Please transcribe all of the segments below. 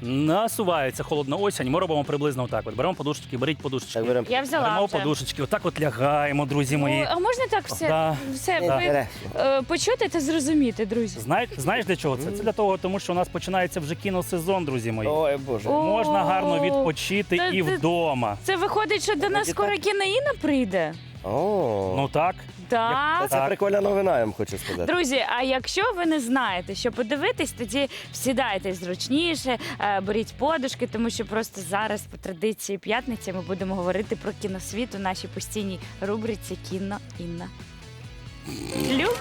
насувається холодна осінь, ми робимо приблизно отак. От беремо подушечки, беріть подушечки. Так беремо. Я взяла Беремо вже. подушечки, отак от лягаємо, друзі мої. А можна так все, Да. все Да. ви, почути та зрозуміти, друзі? Знаєш для чого це? Це для того, тому що у нас починається вже кіносезон, друзі мої. Ой, Боже. О, Можна гарно відпочити Та і ти- вдома. Це виходить, що до нас скоро кіноїна прийде? О, Ну так. Так. це прикольна новина, я вам хочу сказати. Друзі, а якщо ви не знаєте, що подивитись, тоді сідайте зручніше, беріть подушки, тому що просто зараз по традиції п'ятниці ми будемо говорити про кіносвіт у нашій постійній рубриці «Кіно Інна». Люб?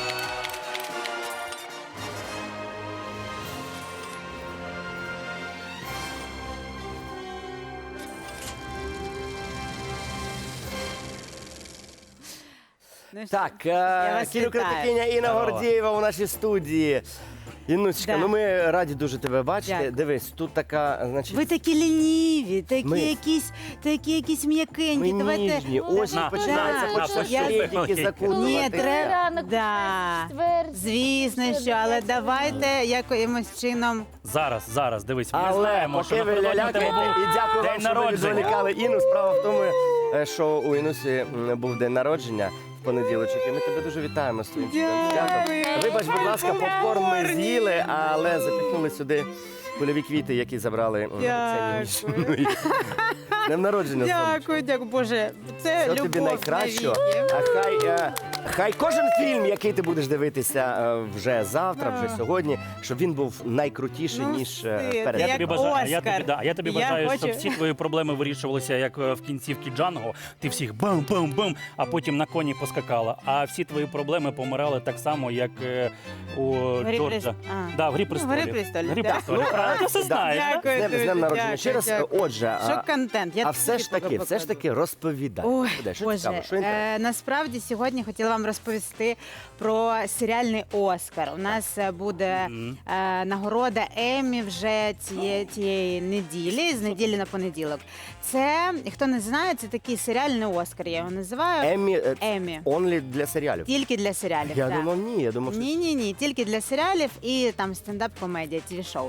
Так, вас кінокритикиня Інна Здорово. Гордієва у нашій студії. Інночка, Да. ну ми раді дуже тебе бачити. Дякую. Дивись, тут така, значить, Ви такі лініві, Ми- такі якісь м'якенькі. ми Давайте. ніжні. Осінь На. починається, Да. хочеться Я- тільки Ні, закутувати. треба. Да. Звісно, що, але давайте якимось чином. Зараз, дивись, ми Але знаємо, що поки ви напередодні тебе лялякаєте, був і дякую вам, день що ви народження. відволікали Інну. Справа в тому, що у Інусі був день народження в понеділочок, і ми тебе дуже вітаємо з твоїм чудовим святом. Вибач, будь ласка, попкорн ми з'їли, але запіхнули сюди кульові квіти, які забрали Ксенію Мішину. З Днем народження, сонечко. Дякую, Боже. Це Все любов тобі найкращого. навіки. А хай кожен фільм, який ти будеш дивитися вже завтра, вже сьогодні, щоб він був найкрутіший, Ну, ніж ти, перед. як Я тобі бажаю, Оскар. я тобі Я бажаю, хочу- щоб всі твої проблеми вирішувалися, як в кінцівці Джанго. Ти всіх бам-бам-бам, а потім на коні поскакала. А всі твої проблеми помирали так само, як у Грі Джорджа. престолів. А. Да, в «Грі Ну, в престолів». «Грі престолів», «Грі да. престолів», правильно? Ти все знаєш, да? Дякую, З днем друзі, народження. дякую, Ще раз, дякую. отже, Що контент? Я все ж таки розповідай. Ой, Що Боже, цікаво, що інтересно? насправді сьогодні хотіла вам розповісти про серіальний Оскар. У нас буде нагорода Еммі вже цієї неділі, з неділі на понеділок. Це, хто не знає, це такий серіальний Оскар, я його називаю. Еммі. Онлі для серіалів. Тільки для серіалів. Я так. думав, ні, я думав, що Ні, тільки для серіалів і там стендап-комедія, ТВ-шоу.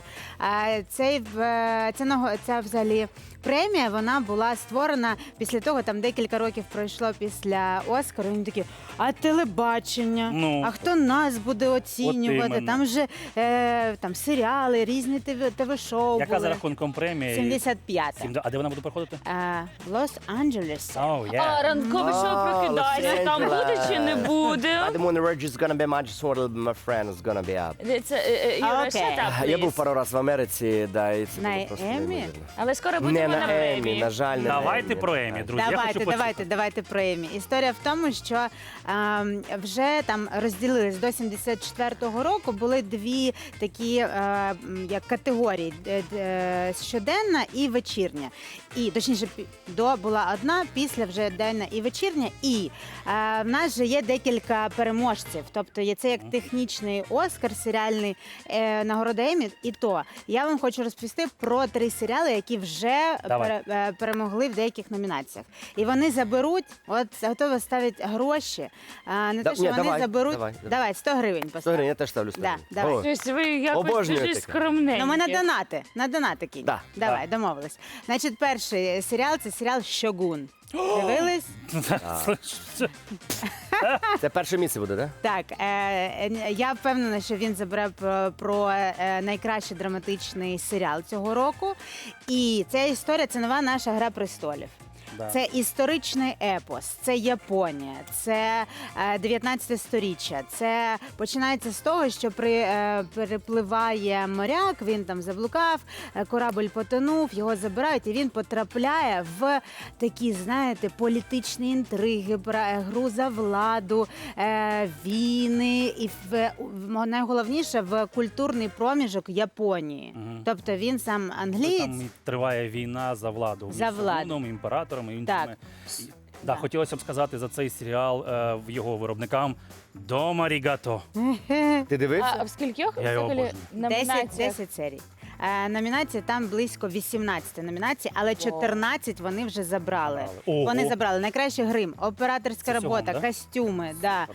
Ця взагалі премія, вона була створена після того, там декілька років пройшло після Оскару. Вони такі, а телебачення? Ну, а хто нас буде оцінювати? іменно. Там же там серіали, різні ТВ-шоу Яка були. за рахунком премії? 75-та. А де вона буде проходити? В Лос-Анджелесі. Oh, А yeah. ранкове шоу «Прокидайся», там буде чи не буде? I don't want the Reg is gonna be my just want my friend is gonna be up. Це, Юра, Окей. shut up, Я був please. пару разів в Америці, да, і це На було просто Еммі? неймовірно. Але скоро Не будемо на на Еммі, премії. на жаль, не на Давайте Еммі. про Еммі, друзі. Я хочу почути. Давайте про Еммі. Історія в тому, що вже там розділились до 74-го року. Були дві такі як категорії: щоденна і вечірня. І точніше, була одна, після вже денна і вечірня. І в нас же є декілька переможців. Тобто є це як технічний Оскар, серіальний нагорода Еммі. І то я вам хочу розповісти про 3 серіали, які вже Давай. перемогли в деяких номінаціях. І вони заберуть, от готові ставити гроші. Не те, що ні, вони давай, заберуть. давай. 100 гривень 100 поставити. гривень, я теж ставлю 100 Да, гривень. давай. О, Щось ви якось Обожнюю дуже таке. скромненькі. Ну, ми на донати кинь. Да, Давай, домовились. Значить, перший серіал це серіал «Шогун». Дивились? Це перше місце буде, так? Так, я впевнена, що він забере про найкращий драматичний серіал цього року. І ця історія це нова наша «Гра престолів». Да. Це історичний епос, це Японія, це 19 сторіччя. Це починається з того, що перепливає моряк, він там заблукав, корабль потонув, його забирають, і він потрапляє в такі, знаєте, політичні інтриги, гру за владу, війни і найголовніше в культурний проміжок Японії. Тобто він сам англієць. Там триває війна за владу. За між владу. Шогуном, імператором і іншими. Так. Да, хотілося б сказати за цей серіал в його виробникам «Дома рігато». Ти дивився? А в скількох Я його взагалі обожнюю. номінаціях? 10 серій. Номінацій там близько 18 номінацій, але 14 вони вже забрали. Ого. Вони забрали найкращий грим, операторська Це робота, цього, да? костюми,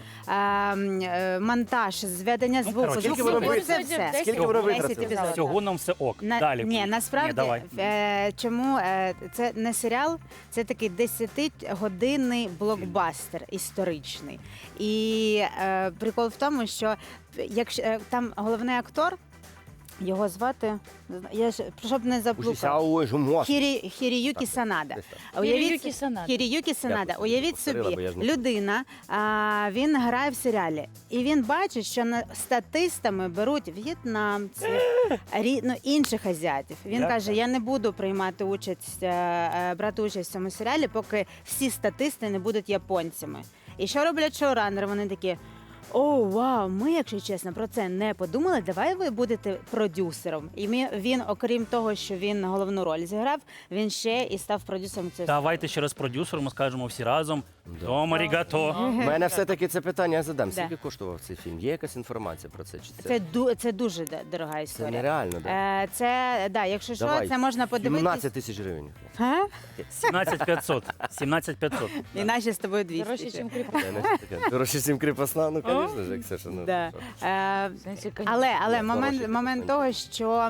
монтаж, зведення звуку. коротше, скільки воно Звук, це виходить? все. Скільки воно 10 витратили? епізодів. Всього нам все ок. Далі. Ні, насправді, Ні, давай. чому це не серіал, це такий 10-годинний блокбастер історичний. І прикол в тому, що якщо там головний актор, його звати, я ж щоб не заплутала. Хіріюкі Санада. Хіріюкі Санада. Хіріюкі Санада. Дякую, Уявіть повторила, собі, бо я ж не- людина, він грає в серіалі, і він бачить, що статистами беруть в'єтнамців, інших азіатів. Він Як каже: так? я не буду приймати участь, брати участь в цьому серіалі, поки всі статисти не будуть японцями. І що роблять шоураннери? Вони такі: о, вау, ми, якщо чесно, про це не подумали. Давай ви будете продюсером. І він, окрім того, що він головну роль зіграв, він ще і став продюсером цього. Давайте ще раз продюсером скажемо всі разом. Дома рігато. У мене все-таки це питання я задам. Да. Скільки коштував цей фільм? Є якась інформація про це? Чи Це дуже дорога це історія. нереально, да? Да, якщо що, Давай. це можна подивитись. 17 тисяч гривень. Га? 17500. 17500. І наші з тобою 200. Дорожче, ніж Це не таке. Дорожче, чим кріпосна, ну, звісно ж, як Ксюша. Ну, Да. що? Але Ні, момент хороший того, що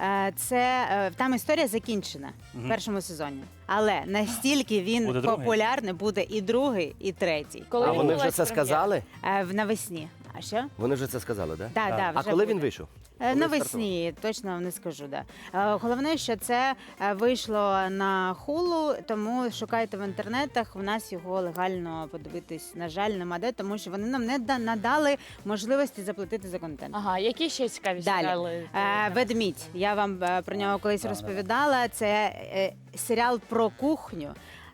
там історія закінчена в першому сезоні. Але настільки він Буде другий? популярний, буде і другий, і третій. Коли А вони вже відбулась це прем'єра? сказали? Навесні. А що? Вони вже це сказали, так? Да, да, А вже коли буде. він вийшов? Коли Навесні, точно вам не скажу. Да. Головне, що це вийшло на хулу, тому шукайте в інтернетах. У нас його легально подивитись, на жаль, нема де, тому що вони нам не надали можливості заплатити за контент. Ага, які ще цікаві Далі. серіали? Ведмідь. Я вам про нього колись розповідала. Це серіал про кухню.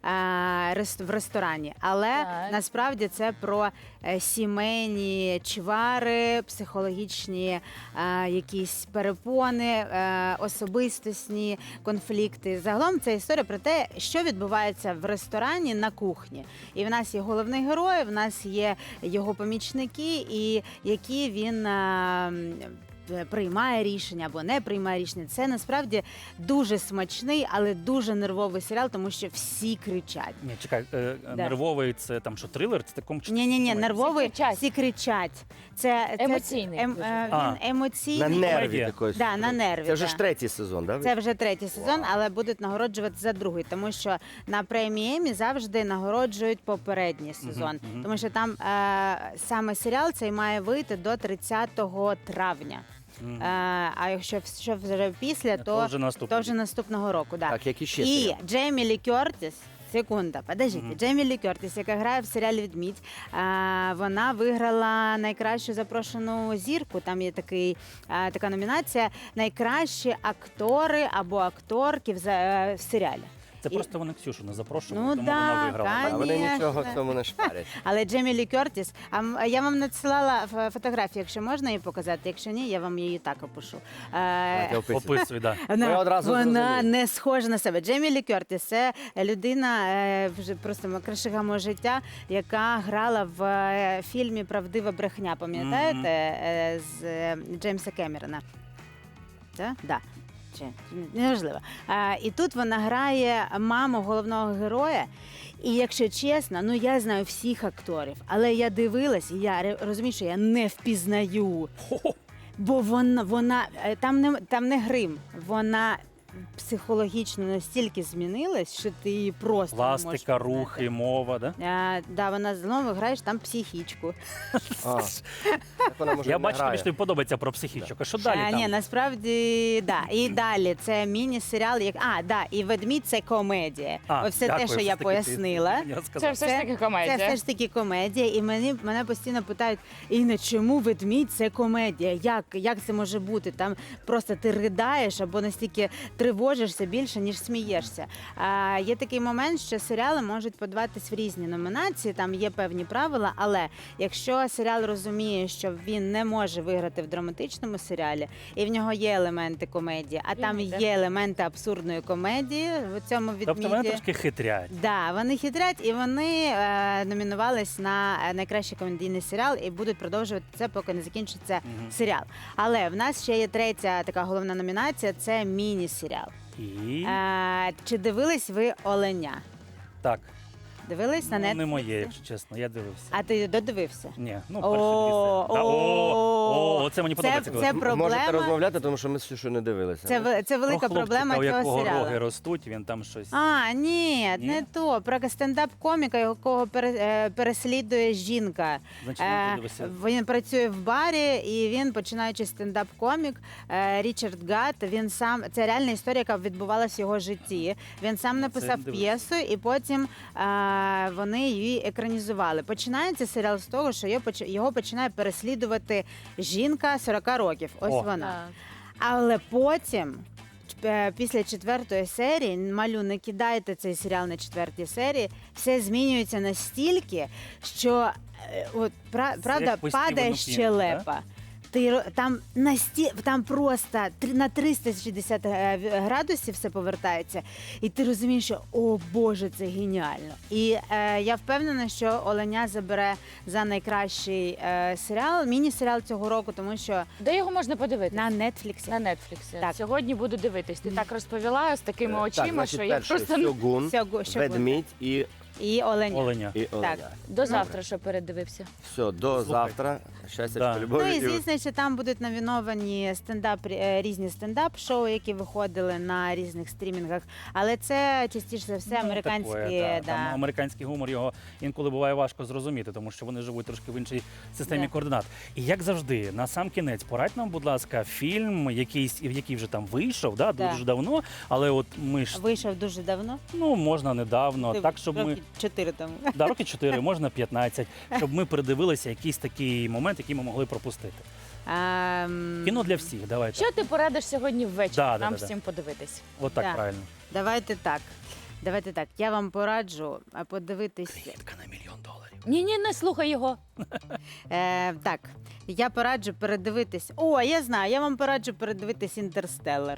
В ресторані, але Так. насправді це про сімейні чвари, психологічні якісь перепони, особистісні конфлікти. Загалом це історія про те, що відбувається в ресторані на кухні. І в нас є головний герой, в нас є його помічники, і які він приймає рішення або не приймає рішення. Це насправді дуже смачний, але дуже нервовий серіал, тому що всі кричать. Ні, чекай, нервовий це там що, трилер? Це такому чи Ні, нервовий, Всі кричать. всі кричать. Це Емоційний дуже. А. Він емоційний. На нерві Комедія. такої. Да, на нерві, Це вже да. ж третій сезон, так? Це вже третій сезон, але будуть нагороджувати за другий, тому що на премії Еммі завжди нагороджують попередній сезон. мгм. Тому що там саме серіал цей має вийти до 30 травня. Мгм. А якщо що вже після, То вже наступний то вже наступного року. Да. Так, які ще І серіали? Джеймі Лі Кертіс. Секунда, подождіть. Мгм. Джеймі Лі Кертіс, яка грає в серіалі «Відмідь», вона виграла найкращу запрошену зірку. Там є така номінація «Найкращі актори або акторки в серіалі». Це І- просто вони Ксюшу не запрошували, Ну тому да, вона виграла. А вони Конечно. нічого в цьому не шпарять. Але Джеймі Лі Кертіс, я вам надсилала фотографію, якщо можна її показати. Якщо ні, я вам її так опишу. Давайте описуйте. Описуй, да. Ми одразу Вона зрозуміли. не схожа на себе. Джеймі Лі Кертіс – це людина вже просто кращого мого життя, яка грала в фільмі «Правдива брехня». Пам'ятаєте? З Джеймса Кемерона. Так? Да. Чи неважливо. І тут вона грає маму головного героя. І якщо чесно, ну я знаю всіх акторів, але я дивилась, і я розумію, що я не впізнаю. Бо вона там не грим, вона психологічно настільки змінилась, що ти її просто не можеш Пластика, впізнати. рухи, мова, да? Да, вона знову граєш там психічку. А, так вона, може, Я не бачу, тобі грає. ж тобі подобається про психічок. А що далі Ні, там? насправді, да. І далі це міні-серіал, і «Ведмідь» – це комедія. Ось все дякую, те, що все я ж таки пояснила. я Це сказав. все ж таки комедія. Це все ж таки комедія, і мене постійно питають: Інна, чому «Ведмідь» – це комедія? Як це може бути? Там просто ти ридаєш або настільки тривожишся більше, ніж смієшся. Є такий момент, що серіали можуть подаватись в різні номінації, там є певні правила, але якщо серіал розуміє, що він не може виграти в драматичному серіалі, і в нього є елементи комедії, а там йде. є елементи абсурдної комедії в цьому Тобто вони відміді. трошки хитрять. Да, вони хитрять і вони номінувались на найкращий комедійний серіал і будуть продовжувати це, поки не закінчиться серіал. Але в нас ще є третя така головна номінація – це міні-серіал. І Чи дивились ви «Оленя»? так, Дивились на ну, Netflix? не моє, якщо чесно, я дивився. А ти додивився? Ні, ну О, перший пісень. о, Це мені подобається. коли це Можете проблема. розмовляти, тому що ми з Ксюшею не дивилися. Це велика Про хлопчика, проблема у якого цього серіалу. роги ростуть, він там щось. Ні, Ні? не то. Про стендап-коміка, якого переслідує жінка. Значить, не подивився. Він працює в барі, і він, починаючи стендап-комік, Річард Гатт, він сам, це реальна історія, яка відбувалася в його житті. Він сам написав не п'єсу, і потім вони її екранізували. Починається серіал з того, що його починає переслідувати жінка 40 років. Ось О. вона. Так. Але потім, після 4-ї серії, малю, не кидайте цей серіал на 4-й серії, все змінюється настільки, що правда як по падає Стівену Кінгу, щелепа. Там просто на 360 градусів все повертається, і ти розумієш, що о Боже, це геніально. І я впевнена, що «Оленя» забере за найкращий серіал, міні-серіал цього року, тому що Де його можна подивитися? на Нетфліксі. На Нетфліксі. Так. Сьогодні буду дивитись. Ти так розповіла з такими очима, Так, значить, що я перший просто Сьогун, Сьогодні. ведмідь і І «Оленя». Оленя. Оленя. до завтра, що передивився. Все, до завтра. Щастя, Да. любові. Ну і звісно, що там будуть номіновані різні стендап-шоу, які виходили на різних стрімінгах. Але це частіше за все американські. Такое, Да. Там американський гумор, його інколи буває важко зрозуміти, тому що вони живуть трошки в іншій системі Да. координат. І як завжди, на сам кінець, порадь нам, будь ласка, фільм, який вже там вийшов, Да. дуже давно, але от ми ж, Вийшов дуже давно. можна недавно, так, щоб ми... Роки 4 тому. Да, роки 4, можна 15, щоб ми передивилися якийсь такий момент, який ми могли пропустити. Кіно для всіх, давайте. Що ти порадиш сьогодні ввечері Да, нам да. всім подивитись? От так Да. правильно. Давайте так. Я вам пораджу подивитись. Клітка на $1 мільйон. Ні, не слухай його. Так, я пораджу передивитись. Я знаю, я вам пораджу передивитись «Інтерстеллар».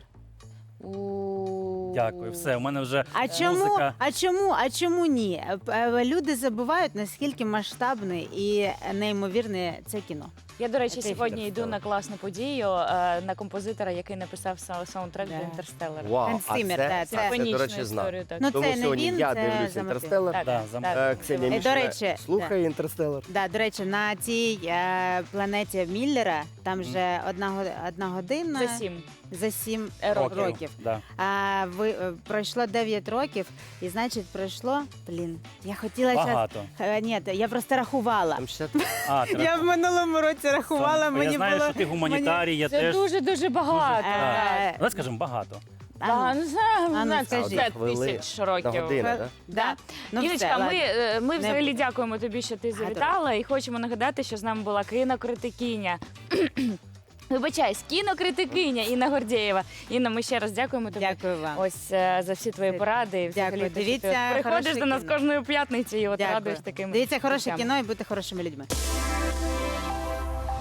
Дякую, все, у мене вже А музика. чому ні? Люди забувають, наскільки масштабне і неймовірне це кіно. Я, до речі, Це сьогодні фільм йду на «Інтерстеллар». класну подію на композитора, який написав саундтрек Да. до «Інтерстеллара». Вау, Ханс а Циммер, це, да, це, це- до Симфонічну речі, знав. історію, так. Ну, Тому це не сьогодні він, я це дивлюсь за мотив. «Інтерстеллар». Так, Да, так. Ксенія До Мішина речі, слухає «Інтерстеллар». До речі, на цій планеті Міллера там вже одна година За 7. за 7 Років. років. Да. Пройшло 9 років, і значить пройшло. Я хотіла Багато. Ні, я просто рахувала. Там ще Я в минулому році рахувала, Я мені знаю, було що ти гуманітарій, я Це теж. дуже багато. Так. Давай скажемо багато. Да, не знаю, ну, це скажи. 5 Хвилин. тисяч на років. годину, так? Да. Ну, Іночка, все, ладно. ми взагалі Не- дякуємо тобі, що ти завітала, і хочемо нагадати, що з нами була кінокритикиня. Вибачаюсь, кінокритикиня Інна Гордєєва. Інна, ми ще раз дякуємо тобі. Дякую вам. Ось за всі твої поради. І взагалі, Дякую. те, що Дивіться ти приходиш хороше до нас кіно. кожної п'ятниці і от Дякую. радуєш такими. Дивіться хороше речами. кіно і будьте хорошими людьми.